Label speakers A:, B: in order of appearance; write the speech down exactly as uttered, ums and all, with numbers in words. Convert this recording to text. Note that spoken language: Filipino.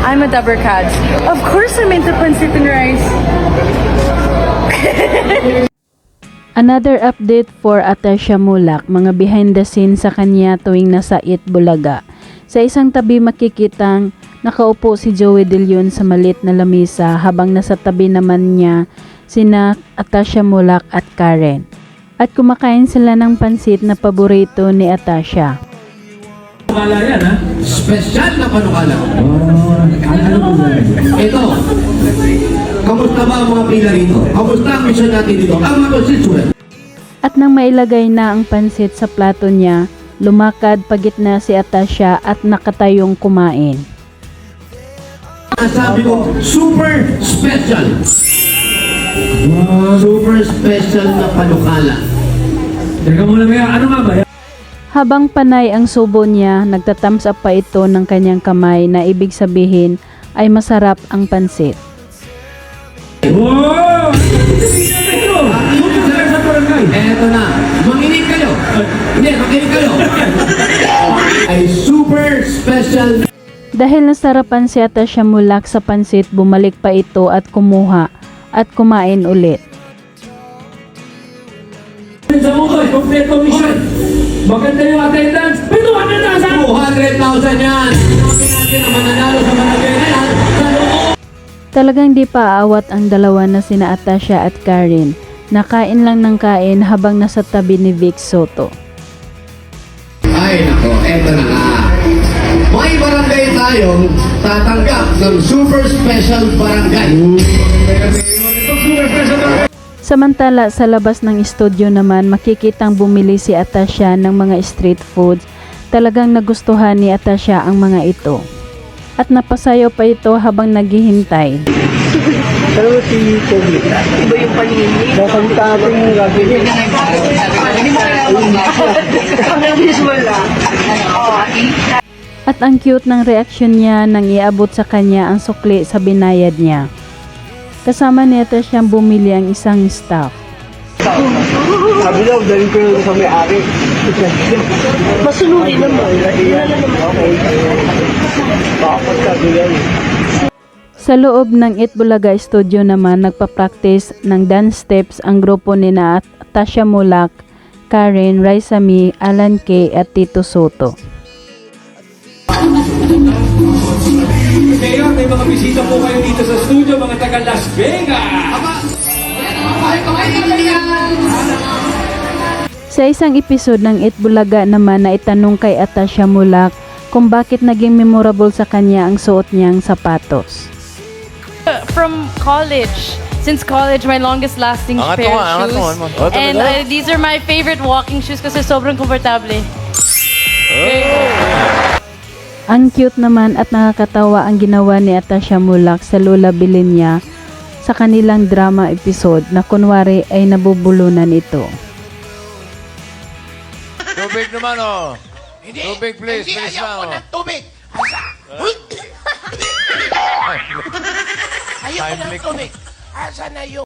A: I'm a Dabarkads. Of course I'm into pancit and rice.
B: Another update for Atasha Mulak, mga behind the scenes sa kanya tuwing nasa Eat Bulaga. Sa isang tabi makikitang nakaupo si Joey De Leon sa maliit na lamesa habang nasa tabi naman niya sina Atasha Mulak at Karen. At kumakain sila ng pansit na paborito ni Atasha.
C: Panukala yan, ha?
D: Special na panukala.
C: Oh, ano po ba?
D: Ito, kamusta ba ang mga pila rito? Kamusta ang mission natin dito? Ang mga constituent.
B: At nang mailagay na ang pansit sa plato niya, lumakad pagitna si Atasha at nakatayong kumain.
D: Sabi ko, super special.
C: Wow.
D: Super special na panukala.
C: Teka muna ba yan? Ano nga ba yan?
B: Habang panay ang subo niya, nagtatams up pa ito ng kanyang kamay na ibig sabihin ay masarap ang pansit.
C: Wow! Ito! Ito sa barangay.
D: Eto na, manginig kayo. Hindi, makinig kayo. Ay super special.
B: Dahil nasarapan si Atasha Mulak sa pansit, bumalik pa ito at kumuha at kumain ulit.
C: Sa Utoy, kompleto mission. Maganda yung attendance. May two hundred thousand!
D: two hundred thousand yan. Sabi natin ang mananalo sa barangay na yan. Sa loob.
B: Talagang di pa aawat ang dalawa na sina Atasha at Karen. Nakain lang ng kain habang nasa tabi ni Vic Soto.
D: Ay nako, eto na nga. May barangay tayong tatanggap ng super special barangay.
B: Samantala sa labas ng studio naman makikitang bumili si Atasha ng mga street foods. Talagang nagustuhan ni Atasha ang mga ito. At napasayaw pa ito habang naghihintay.
E: Pero si Kobe, iba yung paningin. Nakakita natin yung gagawin. Hindi mo kailangan visual lang.
B: At ang cute ng reaksyon niya nang iabot sa kanya ang sukli sa binayad niya. Kasama nito siyang bumili ang isang staff.
E: Sabi daw, dahil ko yung sa may-ari. Masunurin naman. Okay. Bakit sabi yan?
B: Sa loob ng Eat Bulaga Studio naman nagpa-practice ng dance steps ang grupo ni na Atasha Mulak, Karen, Raisa Mi, Alan K at Tito Soto.
C: Ngayon, may mga bisita po kayo dito sa studio, mga taga Las Vegas.
B: Sa isang episode ng Eat Bulaga naman na itanong kay Atasha Mulak kung bakit naging memorable sa kanya ang suot niyang sapatos.
A: From college. Since college, my longest lasting
F: Angat
A: pair
F: mo
A: of
F: nga, angat
A: shoes.
F: mo, angat mo. Oh,
A: And
F: talaga?
A: uh, these are my favorite walking shoes kasi sobrang komportable.
B: Ang cute naman at nakakatawa ang ginawa ni Atasha Mulak sa Lola Bilin niya sa kanilang drama episode na kunwari ay nabubulunan ito.
F: Tubig naman, oh. Tubig, please.
D: Hindi,
F: Please
D: ayaw ko
F: lang,
D: ng tubig. Ayaw ko ng
F: Timely.
D: tubig. Asa na yung